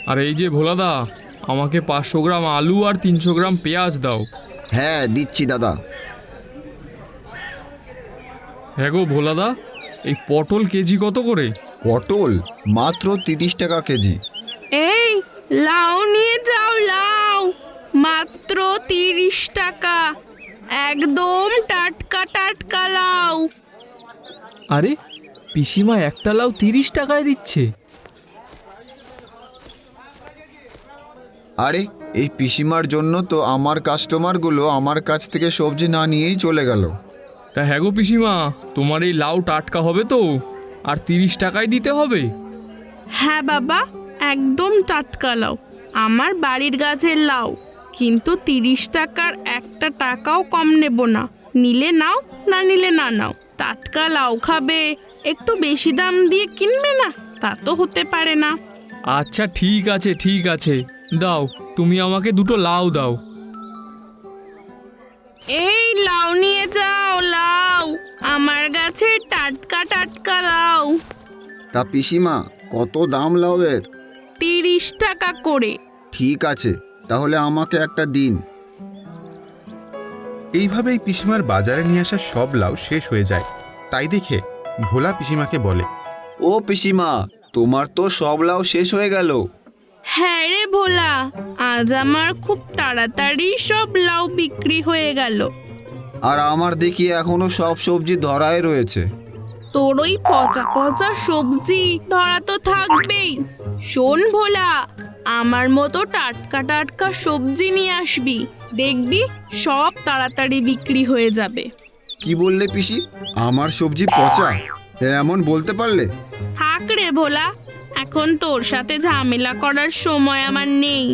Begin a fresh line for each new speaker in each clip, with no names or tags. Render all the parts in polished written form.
আর এই যে ভোলাদা, আমাকে 500 গ্রাম আলু আর 300 গ্রাম পেঁয়াজ দাও।
হ্যাঁ দিচ্ছি দাদা।
হ্যাঁ গো ভোলাদা, এই পটল কেজি কত করে?
পটল মাত্র 30 টাকা কেজি।
এই লাউ নিয়ে যাও, লাউ মাত্র 30 টাকা, একদম টাটকা টাটকা লাউ।
আরে পিসিমা একটা লাউ 30 টাকায় দিচ্ছে।
আরে এই পিসিমার জন্য তো আমার কাস্টমারগুলো আমার কাছ থেকে সবজি না নিয়েই চলে গেল।
তা হ্যাঁ গো পিসিমা, তোমার এই লাউ টাটকা হবে তো? আর 30 টাকায় দিতে হবে?
হ্যাঁ বাবা, একদম টাটকা লাউ, আমার বাড়ির গাছের লাউ, কিন্তু 30 টাকার একটা টাকাও কম নেব না। নিলে নাও, না নিলে না নাও। টাটকা লাউ খাবে, একটু বেশি দাম দিয়ে কিনবে না, তা তো হতে পারে না।
আচ্ছা ঠিক আছে ঠিক আছে, দাও, তুমি আমাকে দুটো লাউ দাও।
এই লাউ নিয়ে যাও, লাউ আমার গাছে টাটকা টাটকা লাউ।
তা পিসিমা কত দাম লাউয়ের?
30 টাকা করে।
ঠিক আছে, তাহলে আমাকে একটা দিন।
এইভাবেই পিসিমার বাজারে নিয়ে আসা সব লাউ শেষ হয়ে যায়। তাই দেখে ভোলা পিসিমাকে বলে,
ও পিসিমা, তোমার তো সব লাউ শেষ হয়ে গেল।
হ্যাঁ রে ভোলা, আজ আমার খুব তাড়াতাড়ি সব লাউ বিক্রি হয়ে গেল।
আর আমার দেখি এখনো সব সবজি ধরায় রয়েছে।
তোর ওই পচা পচা সবজি ধরা তো থাকবেই। শোন ভোলা, আমার মতো টাটকা টাটকা সবজি নিয়ে আসবি, দেখবি সব তাড়াতাড়ি বিক্রি হয়ে যাবে।
কি বললে পিসি? আমার সবজি পচা? এমন বলতে পারলে?
থাক রে ভোলা, এখন তোর সাথে ঝামেলা করার সময় আমার নেই।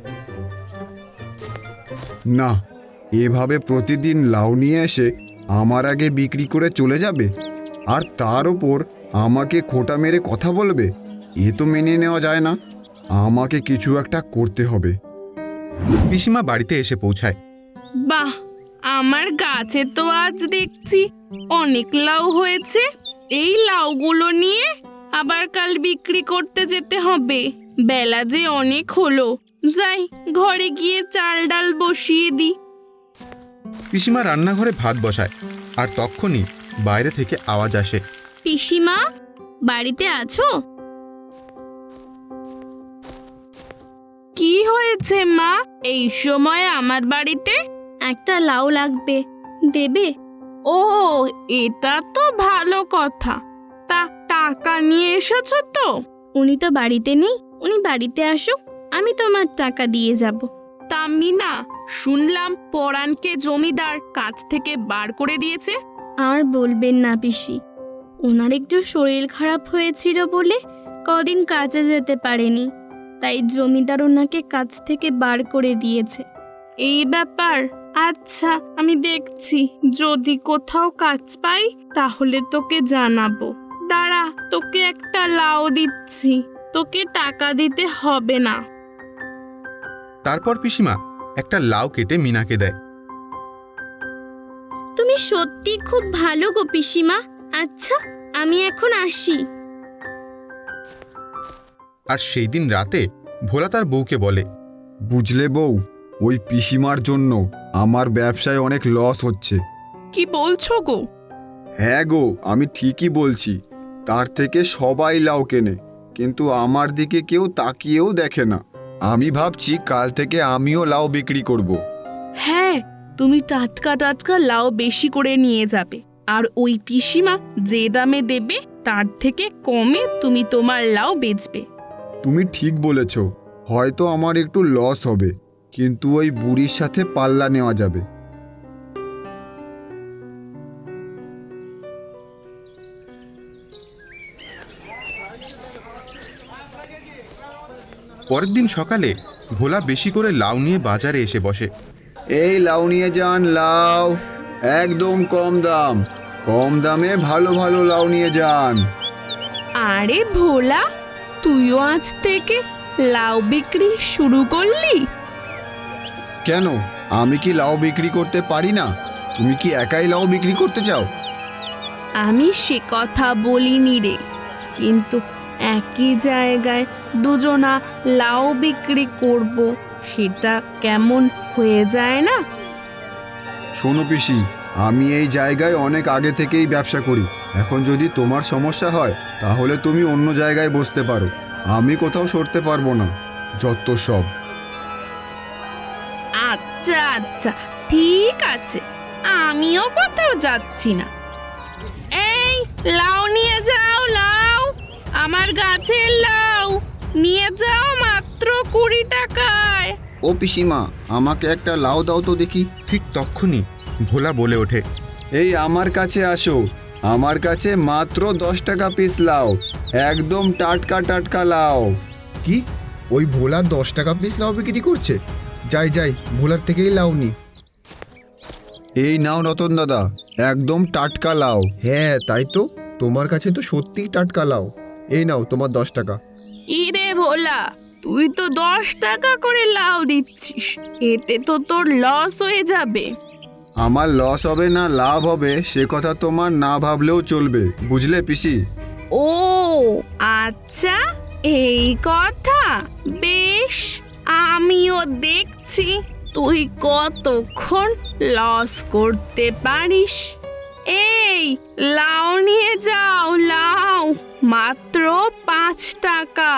না, এভাবে প্রতিদিন লাউ নিয়ে এসে আমার আগে বিক্রি করে চলে যাবে, আর তার ওপর আমাকে খোঁটা মেরে কথা বলবে? এ তো মেনে নেওয়া যায় না। আমাকে কিছু একটা করতে হবে।
পিসিমা বাড়িতে এসে পৌঁছায়।
বাহ, আমার গাছে তো আজ দেখছি অনেক লাউ হয়েছে। এই লাউগুলো নিয়ে আবার কাল বিক্রি করতে যেতে হবে। বেলা যে অনেক হলো, যাই ঘরে গিয়ে চাল ডাল বসিয়ে দিই।
পিসিমা রান্নাঘরে ভাত বসায়, আর তখনই বাইরে থেকে আওয়াজ আসে,
পিসিমা, বাড়িতে আছো?
কি হয়েছে মা, এই সময় আমার বাড়িতে?
একটা লাউ লাগবে, দেবে?
ও, এটা তো ভালো কথা। তা টাকা নিয়ে এসেছো তো?
উনি তো বাড়িতে নেই, উনি বাড়িতে আসুক, আমি তোমার টাকা দিয়ে যাব।
তা মিনা, শুনলাম পরাণকে জমিদার কাজ থেকে বার করে দিয়েছে।
আর বলবেন না পিসি, ওনার একটু শরীর খারাপ হয়েছিল বলে কদিন কাজে যেতে পারেনি, তাই জমিদার ওনাকে কাজ থেকে বার করে দিয়েছে।
এই ব্যাপার, আচ্ছা আমি দেখছি, যদি কোথাও কাজ পাই তাহলে তোকে জানাবো। দাঁড়া, তোকে একটা লাউ দিচ্ছি, তোকে টাকা দিতে হবে না।
তারপর পিসিমা একটা লাউ কেটে মিনাকে দেয়।
তুমি সত্যি খুব ভালো গো পিসিমা। আচ্ছা, আমি এখন আসি।
আর সেই দিন রাতে ভোলা তার বউকে বলে,
বুঝলে বউ, ওই পিসিমার জন্য আমার ব্যবসায় অনেক লস হচ্ছে।
কি বলছো গো?
হ্যাঁ গো, আমি ঠিকই বলছি। তার থেকে সবাই লাউ কেনে, কিন্তু আমার দিকে কেউ তাকিয়েও দেখে না। আমি ভাবছি কাল থেকে আমিও লাউ বিক্রি করব।
হ্যাঁ, তুমি টাটকা টাটকা লাউ বেশি করে নিয়ে যাবে, আর ওই পিসিমা যে দামে দেবে তার থেকে কমে তুমি তোমার লাউ বেচবে।
তুমি ঠিক বলেছ, হয়তো আমার একটু লস হবে, কিন্তু ওই বুড়ির সাথে পাল্লা নেওয়া যাবে।
পরের দিন সকালে ভোলা বেশি করে লাউ নিয়ে বাজারে এসে বসে।
এই লাউ নিয়ে যান, লাউ একদম কম দাম, কম দামে ভালো ভালো লাউ নিয়ে যান।
আরে ভোলা, তুইও আজ থেকে লাউ বিক্রি শুরু করলি?
কেন, আমি কি লাউ বিক্রি করতে পারি না? তুমি কি একাই লাউ বিক্রি করতে চাও?
আমি সে কথা বলিনি রে, কিন্তু একই জায়গায় দুজনা লাউ বিক্রি করব, সেটা কেমন হয়ে যায় না?
শোনো পিসি, আমি এই জায়গায় অনেক আগে থেকেই ব্যবসা করি। এখন যদি তোমার সমস্যা হয় তাহলে তুমি অন্য জায়গায় বসতে পারো, আমি কোথাও সরতে পারবো না। যত সব।
আচ্ছা আচ্ছা, ঠিক আছে, আমিও কোথাও যাচ্ছি না। এই লাউ নিয়ে যাও, লাউ, আমার গাছের লাউ নিয়ে যাও, মাত্র 20 টাকায়।
ও পিসিমা, আমাকে একটা লাউ দাও তো দেখি।
ঠিক তক্ষুনি ভোলা বলে ওঠে,
এই আমার কাছে আসো, আমার কাছে মাত্র 10 টাকা পিস লাউ, একদম টাটকা টাটকা লাউ।
কি, ওই ভোলা 10 টাকা পিস লাউ বিক্রি করছে? যাই যাই, ভোলার থেকেই লাউ নি।
এই নাও রতন দাদা, একদম টাটকা লাউ।
হ্যাঁ তাই তো, তোমার কাছে তো সত্যিই টাটকা লাউ। এই নাও তোমার 10 টাকা।
কি রে ভোলা, তুই তো 10 টাকা করে লাউ দিচ্ছিস, এতে তো তোর লস হয়ে যাবে।
আমার লস হবে না লাভ হবে সে কথা তোমার না ভাবলেও চলবে, বুঝলে পিসি?
ও আচ্ছা, এই কথা, বেশ, আমিও দেখছি তুই কতক্ষণ লস করতে পারিস। এই লাউ নিয়ে যাও, লাউ মাত্র 5 টাকা।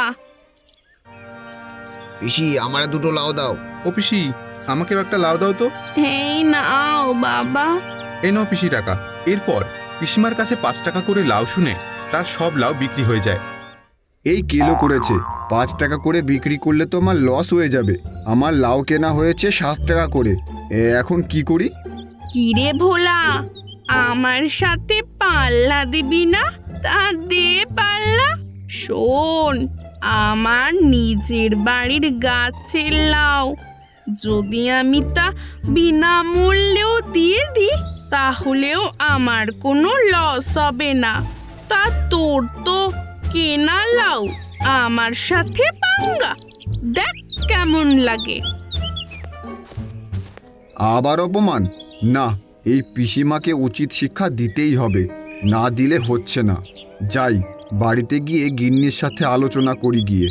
পিসি, আমার দুটো লাউ দাও।
ও পিসি, আমাকেও একটা লাউ দাও তো।
এই নাও বাবা।
এই নাও পিসি টাকা। এরপর পিসিমার কাছে 5 টাকা করে লাউ শুনে তার সব লাউ বিক্রি হয়ে যায়।
এই কিলো করেছে, 5 টাকা করে বিক্রি করলে তো আমার লস হয়ে যাবে। আমার লাউ কেনা হয়েছে 7 টাকা করে, এখন কি করি?
কিরে ভোলা, আমার সাথে পাল্লা দিবি না? তা দে পাল্লা। শোন, আমার নিজের বাড়ির গাছের লাউ, যদি আমি তা বিনামূল্যেও দিয়ে দিই তাহলেও আমার কোনো লস হবে না। তা তোর তো কেনা লাউ, আমার সাথে পাঙ্গা, দেখ কেমন লাগে।
আবার অপমান? না, এই পিসিমাকে উচিত শিক্ষা দিতেই হবে, না দিলে হচ্ছে না। যাই, বাড়িতে গিয়ে গিন্নির সাথে আলোচনা করি গিয়ে।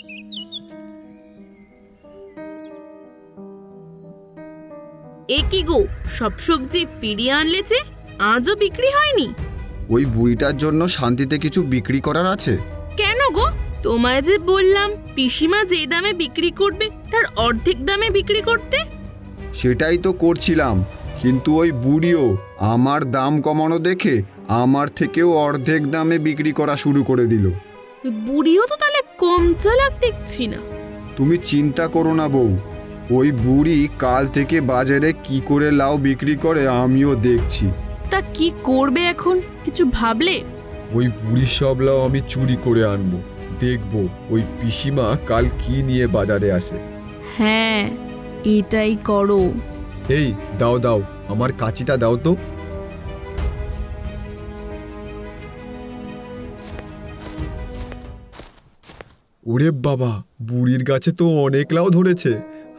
এ কি গো, সব সবজি ফিরিয়ে আনলে যে, আজও বিক্রি হয়নি?
ওই বুড়িটার জন্য শান্তিতে কিছু বিক্রি করার আছে।
কেন গো, তোমায় যে বললাম পিসিমা যে দামে বিক্রি করবে তার অর্ধেক দামে বিক্রি করতে।
সেটাই তো করছিলাম, কিন্তু ওই বুড়িও আমার দাম কমানো দেখে আমার থেকেও অর্ধেক দামে বিক্রি করা শুরু করে দিল।
বুড়িও তো তাহলে কম চালাক দেখছি না।
তুমি চিন্তা করো না বউ, ওই বুড়ি কাল থেকে বাজারে কি করে লাউ বিক্রি করে আমিও দেখছি।
তা কি করবে এখন, কিছু ভাবলে?
ওই বুড়ির সব লাউ আমি চুরি করে আনবো, দেখবো ওই পিসিমা কাল কি নিয়ে বাজারে আসে।
হ্যাঁ, এটাই করো।
এই দাও দাও, আমার কাঁচিটা দাও তো। ওরে বাবা, বুড়ির গাছে তো অনেক লাউ ধরেছে।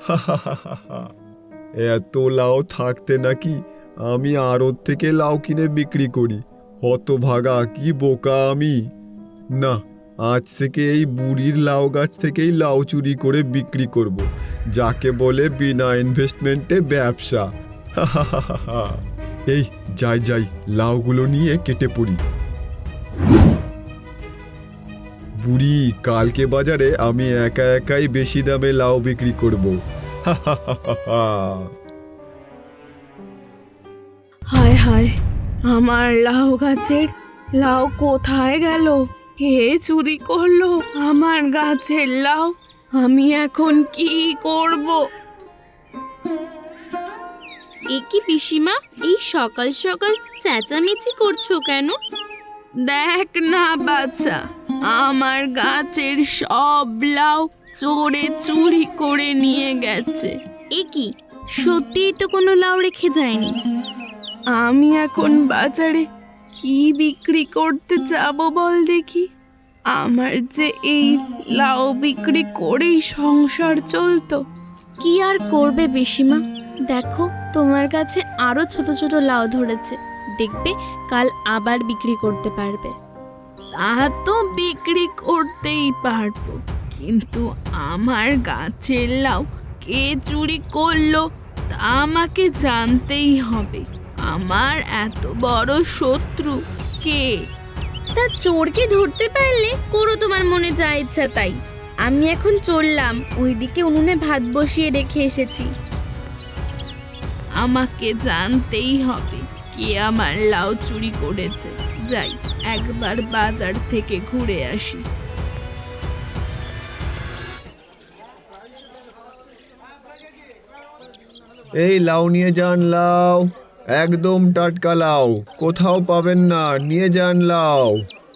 এত লাউ থাকতে নাকি আমি আড়ত থেকে লাউ কিনে বিক্রি করি। হতভাগা, কি বোকা আমি! না, আজ থেকে এই বুড়ির লাউ গাছ থেকেই লাউ চুরি করে বিক্রি করব, যাকে বলে বিনা ইনভেস্টমেন্টে ব্যবসা। এই যাই যাই, লাউগুলো নিয়ে কেটে পড়ি। বুড়ি, কালকে বাজারে আমি একা একাই বেশি দামে লাউ বিক্রি করব।
হায় হায়, আমার লাউ গাছের লাউ কোথায় গেল? কে চুরি করলো আমার গাছের লাউ? আমি এখন কি করব?
এ কি পিসিমা, এই সকাল সকাল চেঁচামেচি করছো কেন?
দেখ না বাচ্চা, আমার গাছের সব লাউ চোরে চুরি করে নিয়ে গেছে।
এ কি, সত্যিই তো কোনো লাউ রেখে যায়নি।
আমি এখন বাজারে কি বিক্রি করতে যাব বল দেখি? আমার যে এই লাউ বিক্রি করেই সংসার চলতো।
কি আর করবে পিসিমা, দেখো তোমার কাছে আরো ছোট ছোট লাউ ধরেছে, দেখবে কাল আবার বিক্রি করতে পারবে।
তা তো বিক্রি করতেই পারবো, কিন্তু আমার গাছের লাউ কে চুরি করলো তা আমাকে জানতেই হবে। আমার এত বড় শত্রু কে?
তা চোরকে ধরতে পারলে করো তোমার মনে যা ইচ্ছা তাই। আমি এখন চললাম, ওইদিকে উনুনে ভাত বসিয়ে রেখে এসেছি।
আমাকে জানতেই হবে কে আমার লাউ চুরি করেছে। যাই, একবার বাজার থেকে ঘুরে আসি।
এই লাউ নিয়ে যান, লাউ একদম টাটকা লাউ, কোথাও পাবেন না, নিয়ে যান লাউ।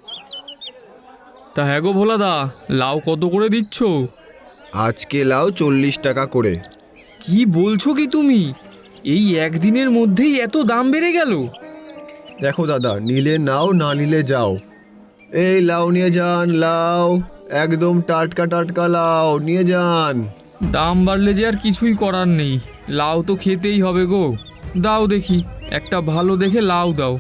তা হ্যাঁ গো ভোলাদা, লাউ কত করে দিচ্ছ?
আজকে লাউ 40 টাকা করে।
কি বলছো কি তুমি? এই একদিনের মধ্যেই এত দাম বেড়ে গেল?
দেখো দাদা, নিলে নাও, না নিলে যাও। এই লাউ নিয়ে যান, লাউ একদম টাটকা টাটকা লাউ নিয়ে যান।
দাম বাড়লে যে আর কিছুই করার নেই, লাউ তো খেতেই হবে গো। দাও দেখি, একটা ভালো দেখে লাউ দাও।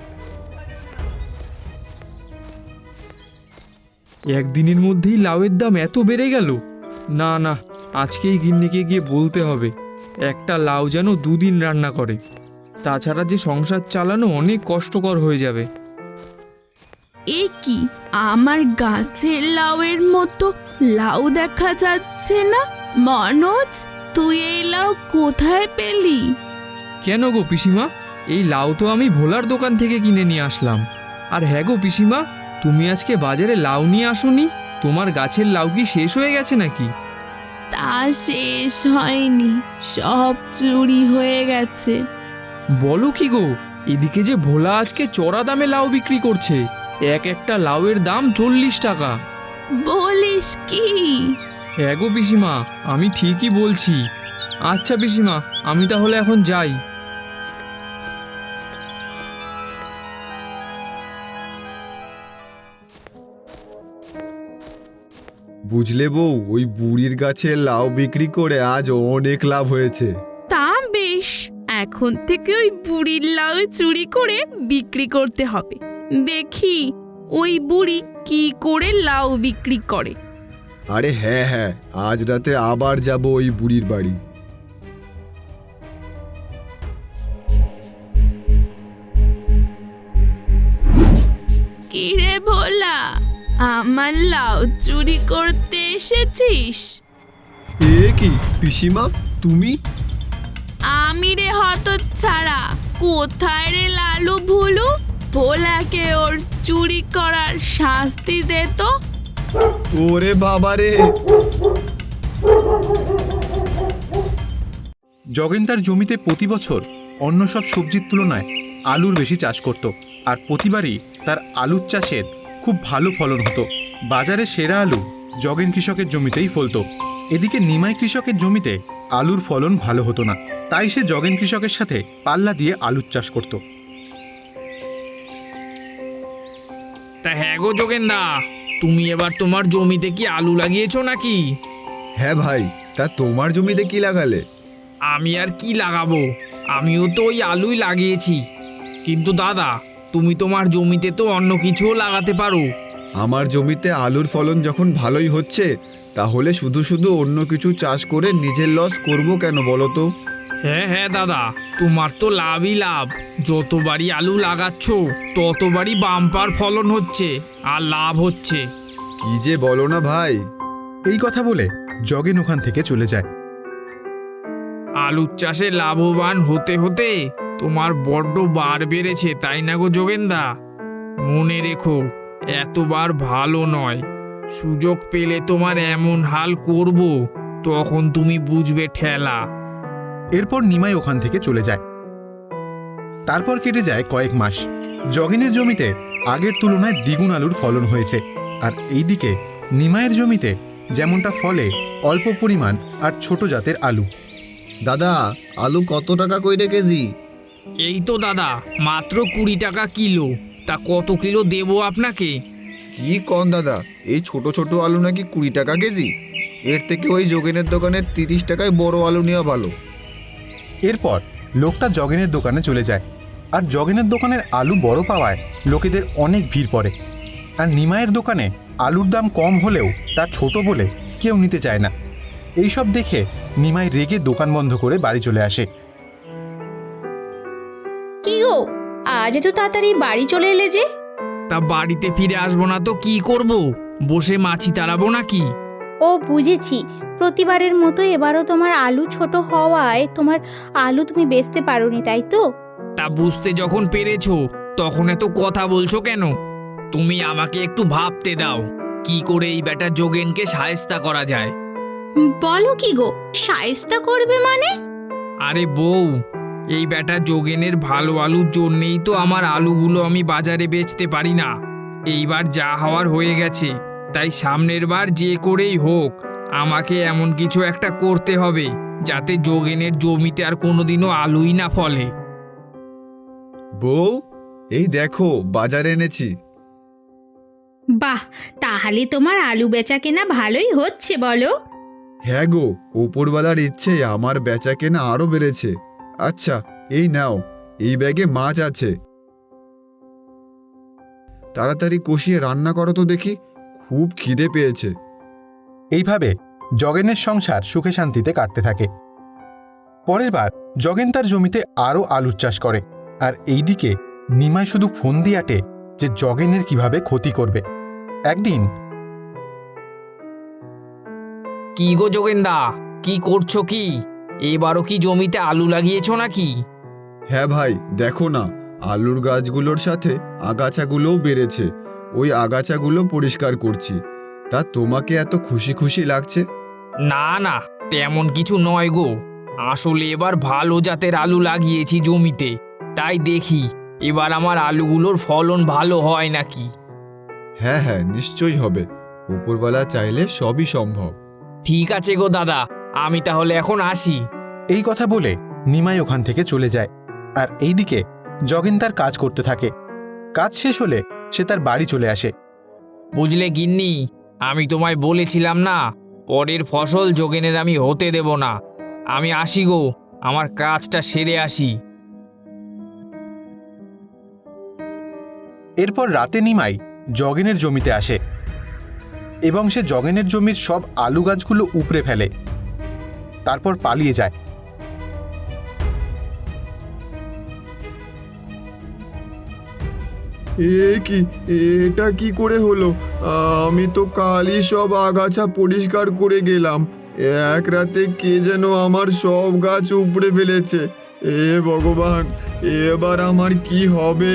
একদিনের মধ্যেই লাউয়ের দাম এত বেড়ে গেল? না না, আজকেই গিন্নিকে গিয়ে বলতে হবে একটা লাউ যেন 2 দিন রান্না করে, তাছাড়া যে সংসার চালানো অনেক কষ্টকর হয়ে যাবে।
এ কি, আমার গাছের লাউয়ের মতো লাউ দেখা যাচ্ছে না? মনোজ, তুই এই লাউ কোথায় পেলি?
কেন গো পিসিমা, এই লাউ তো আমি ভোলার দোকান থেকে কিনে নিয়ে আসলাম। আর হ্যাঁ গো পিসিমা, তুমি আজকে বাজারে লাউ নিয়ে আসোনি? তোমার গাছের লাউ কি শেষ হয়ে গেছে নাকি?
তা শেষ হয়নি, সব চুরি হয়ে গেছে।
বলো কি গো, এদিকে যে ভোলা আজকে চড়া দামে লাউ বিক্রি করছে, একটা লাউয়ের দাম 40 টাকা।
বলিস কি?
হ্যাঁ গো পিসিমা, আমি ঠিকই বলছি। আচ্ছা পিসিমা, আমি তাহলে এখন যাই।
বুঝলে বউ, ওই বুড়ির গাছে লাউ বিক্রি করে আজ অনেক লাভ হয়েছে।
তা বেশ, এখন থেকে ওই বুড়ির লাউ চুরি করে বিক্রি করতে হবে। দেখি ওই বুড়ি কি করে লাউ বিক্রি করে।
আরে হ্যাঁ হ্যাঁ, আজ রাতে আবার যাব ওই বুড়ির বাড়ি।
কিরে ভোলা, আমার লাউ চুরি করতে এসেছিস?
এ কি পিসিমা, তুমি?
আমি রে হতচ্ছাড়া, কোথায় রে লালু ভুলু? ভোলাকে ওর চুরি করার শাস্তি দে তো।
ওরে বাবা রে!
জগেন তার জমিতে প্রতি বছর অন্য সব সবজির তুলনায় আলুর বেশি চাষ করত, আর প্রতিবারই তার আলুর চাষের খুব ভালো ফলন হতো। বাজারে সেরা আলু জগেন কৃষকের জমিতেই ফলতো। এদিকে নিমাই কৃষকের জমিতে আলুর ফলন ভালো হতো না, তাই সে জগেন কৃষকের সাথে পাল্লা দিয়ে আলুর চাষ করত।
তা হ্যাঁ গো যোগেনদা, তুমি এবার তোমার জমিতে কি আলু লাগিয়েছো নাকি?
হ্যাঁ ভাই, তা তোমার জমিতে কি লাগালে?
আমি আর কি লাগাবো, আমিও তো ওই আলুই লাগিয়েছি। কিন্তু দাদা, তুমি তোমার জমিতে তো অন্য কিছুও লাগাতে পারো।
আমার জমিতে আলুর ফলন যখন ভালোই হচ্ছে, তাহলে শুধু শুধু অন্য কিছু চাষ করে নিজের লস করব কেন বলো তো?
হ্যাঁ হ্যাঁ দাদা, তোমার তো লাভই লাভ। যতবারই আলু লাগাচ্ছ ততবারই বাম্পার ফলন হচ্ছে আর লাভ হচ্ছে।
কি যে বলো না ভাই!
এই কথা বলে জগেন ওখান থেকে চলে যায়।
আলুর চাষে লাভবান হতে হতে তোমার বড্ড বার বেড়েছে, তাই না গো যোগেনদা? মনে রেখো, এতবার ভালো নয়। সুযোগ পেলে তোমার এমন হাল করব, তখন তুমি বুঝবে ঠেলা।
এরপর নিমাই ওখান থেকে চলে যায়। তারপর কেটে যায় কয়েক মাস। জগেনের জমিতে আগের তুলনায় দ্বিগুণ আলুর ফলন হয়েছে, আর এইদিকে নিমাইয়ের জমিতে যেমনটা ফলে অল্প পরিমাণ আর ছোট জাতের আলু।
দাদা, আলু কত টাকা কইরে কেজি?
এই তো দাদা, মাত্র 20 টাকা কিলো। তা কত কিলো দেবো আপনাকে?
কি কন দাদা, এই ছোট ছোট আলু নাকি 20 টাকা কেজি? এর থেকে ওই যোগেনের দোকানে 30 টাকায় বড় আলু নেওয়া ভালো।
এরপর লোকটা জগেনের দোকানে চলে যায়, আর জগেনের দোকানের আলু বড় পাওয়ায় লোকেদের অনেক ভিড় পড়ে। আর নিমাইয়ের দোকানে আলুর দাম কম হলেও তা ছোট বলে কেউ নিতে চায় না। এইসব দেখে নিমাই রেগে দোকান বন্ধ করে বাড়ি চলে আসে।
কি গো, আজ এত তাড়াতাড়ি বাড়ি চলে এলে যে?
তা বাড়িতে ফিরে আসবো না তো কি করব? বসে মাছি তাড়াবো নাকি?
ও বুঝেছি, প্রতিবারের মতো এবারও তোমার আলু ছোট হওয়ায় তোমার আলু তুমি বেচতে পারোনি, তাই তো?
তা বুঝতে যখন পেরেছো তখন এত কথা বলছো কেন? তুমি আমাকে একটু ভাবতে দাও কি করে এই বেটা যোগেনকে শায়েস্তা করা যায়।
বলো কি গো, শায়েস্তা করবে মানে?
আরে বউ, এই বেটা যোগেনের ভালো আলুর জন্যেই তো আমার আলুগুলো আমি বাজারে বেচতে পারি না। এইবার যা হওয়ার হয়ে গেছে, তাই সামনের বার যে করেই হোক আমাকে এমন কিছু একটা করতে হবে যাতে যোগেনের জমিতে আর কোনোদিনও আলুই না ফলে।
বউ, এই দেখো বাজার এনেছি।
বাহ, তাহলে তোমার আলু বেচা কেনা ভালোই হচ্ছে বলো?
হ্যাঁ গো, ওপরওয়ালার ইচ্ছে আমার বেচা কেনা আরো বেড়েছে। আচ্ছা, এই নাও, এই ব্যাগে মাছ আছে। তাড়াতাড়ি কষিয়ে রান্না করো তো দেখি, খুব খিদে পেয়েছে।
এইভাবে জগেনের সংসার সুখে শান্তিতে কাটতে থাকে। পরের বার জগেন তার জমিতে আরও আলুর চাষ করে, আর এইদিকে নিমাই শুধু ফোন দিয়ে আটে যে জগেনের কিভাবে ক্ষতি করবে। একদিন,
কি গো যোগেনদা, কি করছো কি? এবারও কি জমিতে আলু লাগিয়েছো নাকি?
হ্যাঁ ভাই, দেখো না, আলুর গাছগুলোর সাথে আগাছাগুলোও বেড়েছে। ওই আগাছাগুলো পরিষ্কার করছি। তা তোমাকে এত খুশি খুশি লাগছে?
না না, তেমন কিছু নয় গো। আসলে এবার ভালো জাতের আলু লাগিয়েছি জমিতে, তাই দেখি এবার আমার আলুগুলোর ফলন ভালো হয় নাকি।
হ্যাঁ হ্যাঁ, নিশ্চয়ই হবে। উপরওয়ালা চাইলে সবই সম্ভব।
ঠিক আছে গো দাদা, আমি তাহলে এখন আসি।
এই কথা বলে নিমাই ওখান থেকে চলে যায়, আর এইদিকে জগেন তার কাজ করতে থাকে। কাজ শেষ হলে সে তার বাড়ি চলে আসে।
বুঝলে গিন্নি, আমি তোমায় বলেছিলাম না পরের ফসল যোগেনের আমি হতে দেব না। আমি আসি গো, আমার কাজটা সেরে আসি।
এরপর রাতে নিমাই জগেনের জমিতে আসে এবং সে জগেনের জমির সব আলু গাছগুলো উপড়ে ফেলে, তারপর পালিয়ে যায়।
কি, এটা কি করে হলো? আমি তো কালই সব আগাছা পরিষ্কার করে গেলাম। এক রাতে কে যেন আমার সব গাছ উপড়ে ফেলেছে। এ ভগবান, এবার আমার কি হবে?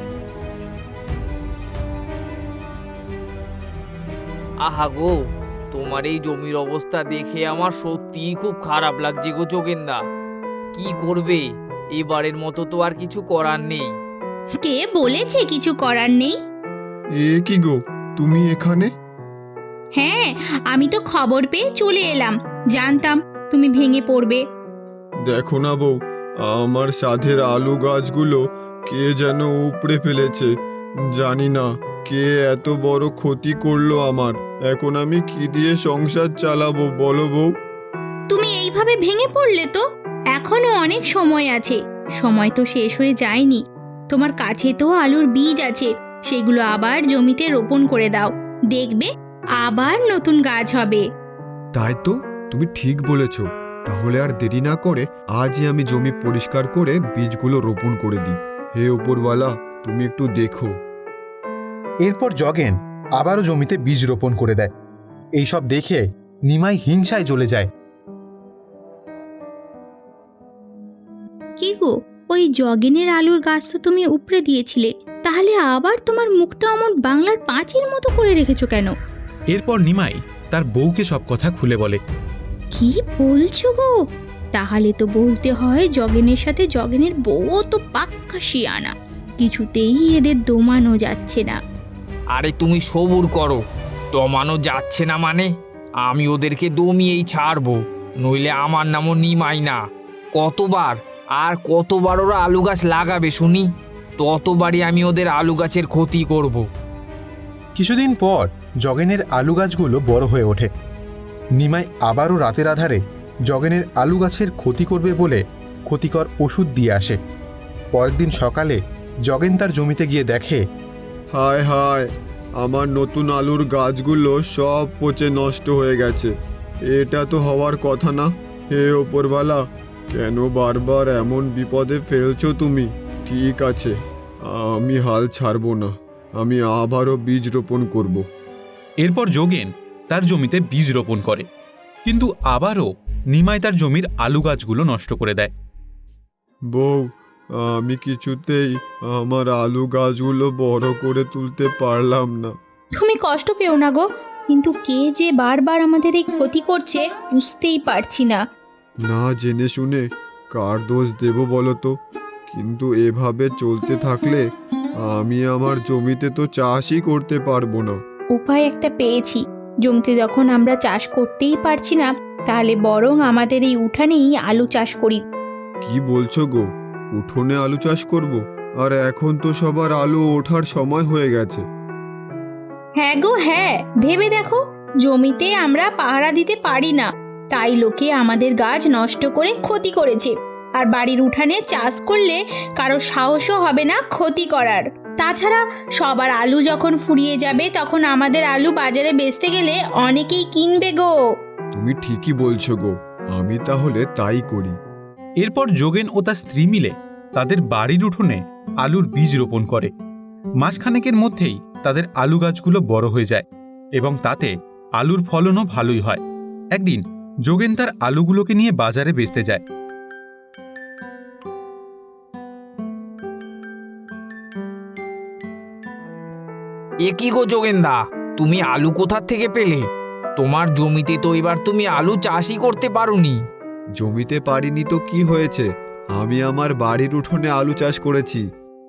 আহা গো, তোমার এই জমির অবস্থা দেখে আমার সত্যিই খুব খারাপ লাগছে গো যোগেনদা। কি করবে, এবারের মতো তো আর কিছু করার নেই।
কে বলেছে কিছু করার নেই?
এ কি গো, তুমি এখানে?
হ্যাঁ, আমি তো খবর পেয়ে চলে এলাম, জানতাম তুমি ভেঙে পড়বে।
দেখো না বউ, আমার সাধের আলু গাছগুলো কে যেন উপড়ে ফেলেছে। জানি না কে এত বড় ক্ষতি করলো আমার। এখন আমি কি দিয়ে সংসার চালাবো বলো বউ?
তুমি এইভাবে ভেঙে পড়লে তো এখনো অনেক সময় আছে, সময় তো শেষ হয়ে যায়নি। তোমার কাছে তো আলুর বীজ আছে, সেগুলো আবার জমিতে রোপণ করে দাও, দেখবে আবার নতুন গাছ হবে।
তাই তো, তুমি ঠিক বলেছ। তাহলে আর দেরি না করে আজই আমি জমি পরিষ্কার করে বীজগুলো রোপণ করে দিই। হে উপরওয়ালা, তুমি একটু দেখো।
এরপর জগেন আবারও জমিতে বীজ রোপণ করে দেয়। এইসব দেখে নিমাই হিংসায় জ্বলে যায়।
কি গো, ওই জগেনের আলুর গাছ তো তুমি উপড়ে দিয়েছিলে, তাহলে আবার তোমার মুখটা অমন বাংলার পাঁচের মতো করে রেখেছো কেন?
এরপর নিমাই তার বউকে সব কথা খুলে বলে।
কি বলছো গো? তাহলে তো বলতে হয় জগেনের সাথে জগেনের বউও তো পাক্কা শিয়ানা, কিছুতেই এদের দমানো যাচ্ছে না।
আরে তুমি সবুর করো, দমানো যাচ্ছে না মানে? আমি ওদেরকে দমিয়েই ছাড়বো, নইলে আমার নামও নিমাই না। কতবার ওরা আলু গাছ লাগাবে শুনি, ততবারই আমি ওদের আলু গাছের ক্ষতি করব।
কিছুদিন পর জগেনের আলু গাছগুলো বড় হয়ে ওঠে। নিমাই আবারও রাতের আধারে জগেনের আলু গাছের ক্ষতি করবে বলে ক্ষতিকর ওষুধ দিয়ে আসে। পরের দিন সকালে জগেন তার জমিতে গিয়ে দেখে,
হায় হায়,
আমার নতুন আলুর গাছগুলো সব পচে নষ্ট হয়ে গেছে। এটা তো হওয়ার কথা না। হে ওপরওয়ালা, কেন বারবার এমন বিপদে ফেলছো তুমি? ঠিক আছে, আমি হাল ছাড়বো না, আমি আবারও বীজ রোপণ করব।
এরপর যোগেন তার জমিতে বীজ রোপণ করে, কিন্তু আবারও নিমাই তার জমির আলু গাছগুলো নষ্ট করে দেয়।
বউ, আমি কিছুতেই আমার আলু গাছগুলো বড় করে তুলতে পারলাম না।
তুমি কষ্ট পেও না গো, কিন্তু কে যে বারবার আমাদের এই ক্ষতি করছে বুঝতেই পারছি না।
না জেনে শুনে কার দোষ দেব বলো তো? কিন্তু এভাবে চলতে থাকলে আমি আমার জমিতে তো চাষই করতে পারবো না।
উপায় একটা পেয়েছি। জমিতে যখন আমরা চাষ করতেই পারছি না, তাহলে বরং আমাদের এই উঠানেই আলু চাষ করি।
কি বলছো গো? উঠোনে আলু চাষ করব? আর এখন তো সবার আলু ওঠার সময় হয়ে গেছে।
হ্যাঁ গো হ্যাঁ, ভেবে দেখো, জমিতে আমরা পাহারা দিতে পারি না, তাই লোকে আমাদের গাছ নষ্ট করে ক্ষতি করেছে। আর বাড়ির উঠানে চাষ করলে কারো সাহসও হবে না ক্ষতি করার। তাছাড়া সবার আলু যখন ফুরিয়ে যাবে তখন আমাদের আলু বাজারে বেচতে গেলে অনেকেই কিনবে গো।
তুমি ঠিকই বলছো গো, আমি তাহলে তাই করি।
এরপর যোগেন ও তার স্ত্রী মিলে তাদের বাড়ির উঠোনে আলুর বীজ রোপণ করে। মাসখানেকের মধ্যেই তাদের আলু গাছগুলো বড় হয়ে যায় এবং তাতে আলুর ফলনও ভালোই হয়। একদিন যোগেন তার আলুগুলোকে নিয়ে বাজারে বেচতে যায়।
এ কি গো যোগেন্দা, তুমি আলু কোথা থেকে পেলে? তোমার জমিতে তো এবার তুমি আলু চাষই করতে পারোনি।
জমিতে পারিনি তো কি হয়েছে, আমি আমার বাড়ির উঠোনে আলু চাষ করেছি।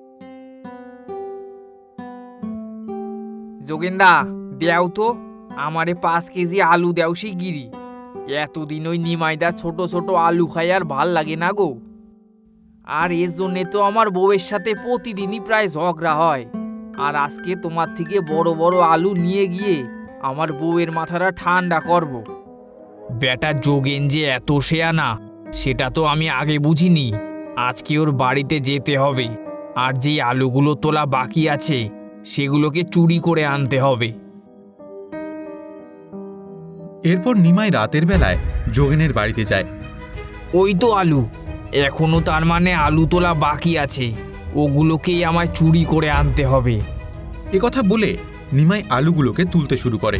যোগেন্দা, দেও তো আমারে 5 কেজি আলু দেও শিগগিরি। এতদিন ওই নিমাইদা ছোট ছোট আলু খাই আর ভাল লাগে না গো। আর এর জন্যে তো আমার বউয়ের সাথে প্রতিদিনই প্রায় ঝগড়া হয়। আর আজকে তোমার থেকে বড় বড় আলু নিয়ে গিয়ে আমার বউয়ের মাথাটা ঠান্ডা করব। বেটা যোগেন যে এত শেয়ানা সেটা তো আমি আগে বুঝিনি। আজকে ওর বাড়িতে যেতে হবে, আর যে আলুগুলো তোলা বাকি আছে সেগুলোকে চুরি করে আনতে হবে।
এরপর নিমাই রাতের বেলায় যোগেনের বাড়িতে যায়।
ওই তো আলু, এখনো তার মানে আলু তোলা বাকি আছে, ওগুলোকেই আমায় চুরি করে আনতে হবে।
একথা বলে নিমাই আলুগুলোকে তুলতে শুরু করে।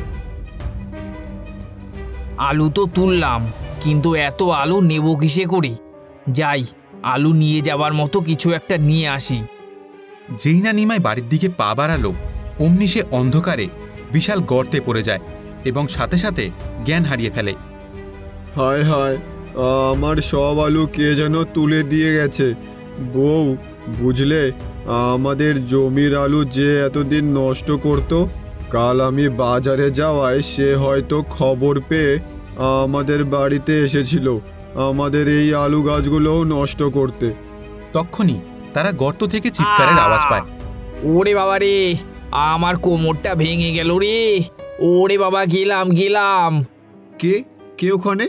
আলু তো তুললাম, কিন্তু এত আলু নেব কিসে করে? যাই, আলু নিয়ে যাবার মতো কিছু একটা নিয়ে আসি।
যেই না নিমাই বাড়ির দিকে পা বাড়ালো, অমনি সে অন্ধকারে বিশাল গর্তে পড়ে যায় এবং সাথে সাথে জ্ঞান হারিয়ে ফেলে।
হায় হায়, আমার সব আলু কে যেন তুলে দিয়ে গেছে। বউ, বুঝলে, আমাদের জমির আলু যে এতদিন নষ্ট করত, কাল আমি বাজারে যাওয়ায় সে হয়তো খবর পেয়ে আমাদের বাড়িতে এসেছিল আমাদের এই আলু গাছগুলোও নষ্ট করতে।
তক্ষুনি তারা গর্ত থেকে চিৎকারের আওয়াজ পায়।
ওরে বাবা রে, আমার কোমরটা ভেঙে গেল রে। ওরে বাবা, গেলাম গেলাম।
কে কে ওখানে?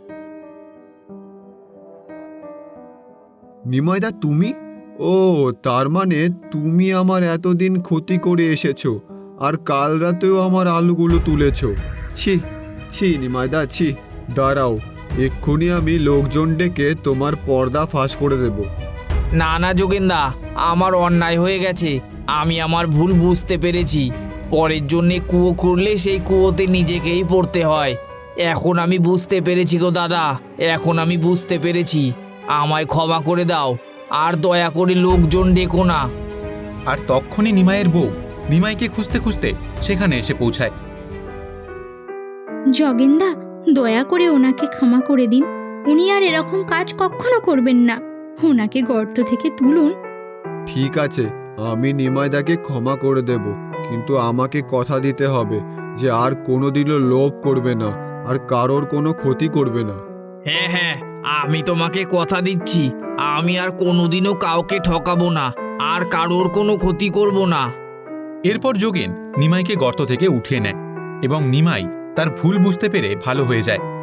নিমাইদা, তুমি? ও, তার মানে তুমি আমার এতদিন ক্ষতি করে এসেছো আর কাল রাতেও আমার আলুগুলো তুলেছো। ছি ছি নিমাইদা, ছি। দাঁড়াও, এক্ষুনি আমি লোকজন ডেকে তোমার পর্দা ফাঁস করে দেব।
না না যোগেন্দা, আমার অন্যায় হয়ে গেছে, আমি আমার ভুল বুঝতে পেরেছি। পরের জন্যে কুয়ো খুঁড়লে সেই কুয়োতে নিজেকেই পড়তে হয়। এখন আমি বুঝতে পেরেছি গো দাদা, এখন আমি বুঝতে পেরেছি। আমায় ক্ষমা করে দাও, আর দয়া করে লোকজন ডেকো না।
আর তক্ষুনি নিমাইয়ের বউ নিমাইকে খুঁজতে খুঁজতে সেখানে এসে পৌঁছায়।
জগেন্দা, দয়া করে ওনাকে ক্ষমা করে দিন, উনি আর এরকম কাজ কখনো করবেন না। ওনাকে গর্ত থেকে তুলুন।
ঠিক আছে, আমি নিমাইদাকে ক্ষমা করে দেব, কিন্তু আমাকে কথা দিতে হবে যে আর কোনোদিনও লোভ করবে না আর কারোর কোনো ক্ষতি করবে না।
হ্যাঁ হ্যাঁ, আমি তোমাকে কথা দিচ্ছি, আমি আর কোনোদিনও কাউকে ঠকাবো না, আর কারোর কোনো ক্ষতি করব না।
এরপর যোগেন নিমাইকে গর্ত থেকে উঠিয়ে নেয় এবং নিমাই তার ভুল বুঝতে পেরে ভালো হয়ে যায়।